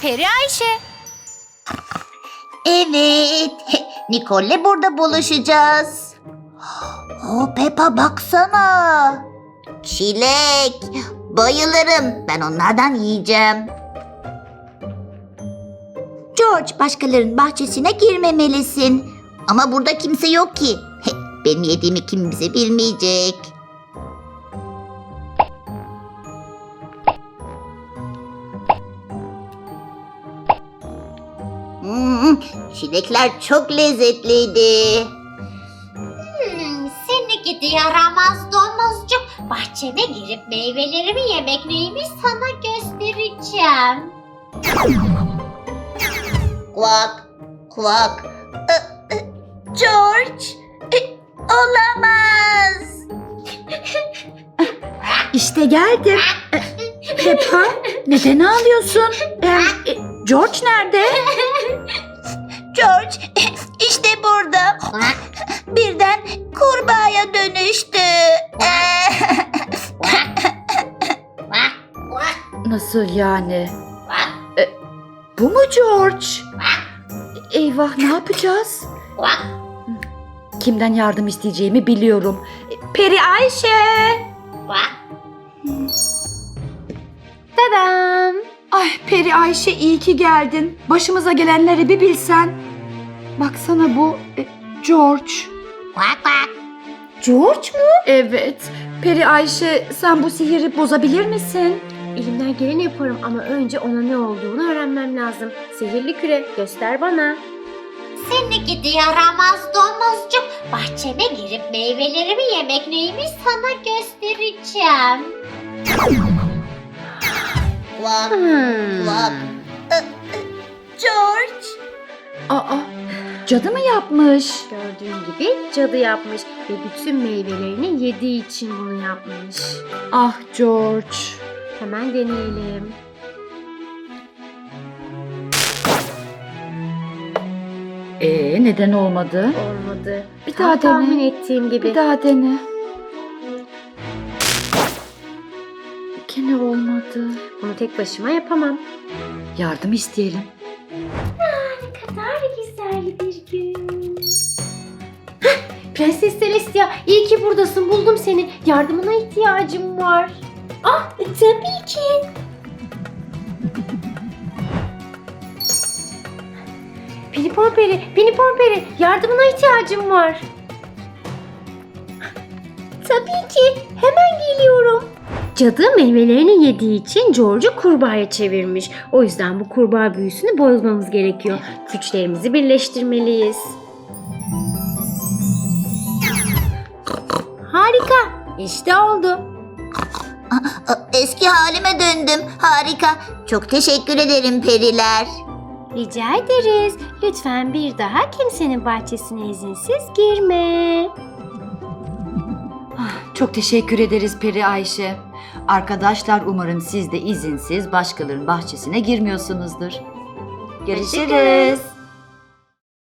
Peri Ayşe. Evet, Nicole'le burada buluşacağız. Peppa baksana. Çilek, bayılırım. Ben onlardan yiyeceğim. George, başkalarının bahçesine girmemelisin. Ama burada kimse yok ki. Benim yediğimi kimse bilmeyecek. Çilekler çok lezzetliydi. Seni gidi yaramaz domuzcuk. Bahçeme girip meyvelerimi yemek neymiş sana göstereceğim. Kvak, kvak. George, olamaz. İşte geldim. Peppa, neden ağlıyorsun? George nerede? George, işte burada. Birden kurbağaya dönüştü. Nasıl yani? Bu mu George? Eyvah, ne yapacağız? Kimden yardım isteyeceğimi biliyorum. Peri Ayşe. Tadam. Ay Peri Ayşe, iyi ki geldin. Başımıza gelenleri bir bilsen. Baksana bu George. George mu? Evet. Peri Ayşe, sen bu sihiri bozabilir misin? Elimden geleni yaparım ama önce ona ne olduğunu öğrenmem lazım. Sihirli küre, göster bana. Seni gidi yaramaz domuzcuk. Bahçeme girip meyvelerimi yemek neymiş sana göstereceğim. Kvak, kvak. George. Aa, cadı mı yapmış? Gördüğün gibi cadı yapmış ve bütün meyvelerini yediği için bunu yapmış. Ah George. Hemen deneyelim. Neden olmadı? Olmadı. Bir Tam daha tahmin dene. ettiğim gibi. Bir daha dene. Gene olmadı. Bunu tek başıma yapamam. Yardım isteyelim. Ne kadar güzel bir gün. Prenses Celestia, iyi ki buradasın. Buldum seni. Yardımına ihtiyacım var. Ah, tabii ki. Pini Pomperi, yardımına ihtiyacım var. Tabii ki, hemen geliyorum. Cadı meyvelerini yediği için George'u kurbağaya çevirmiş. O yüzden bu kurbağa büyüsünü bozmamız gerekiyor. Güçlerimizi birleştirmeliyiz. Harika, işte oldu. Eski halime döndüm. Harika. Çok teşekkür ederim periler. Rica ederiz. Lütfen bir daha kimsenin bahçesine izinsiz girme. Çok teşekkür ederiz Peri Ayşe. Arkadaşlar, umarım siz de izinsiz başkalarının bahçesine girmiyorsunuzdur. Görüşürüz.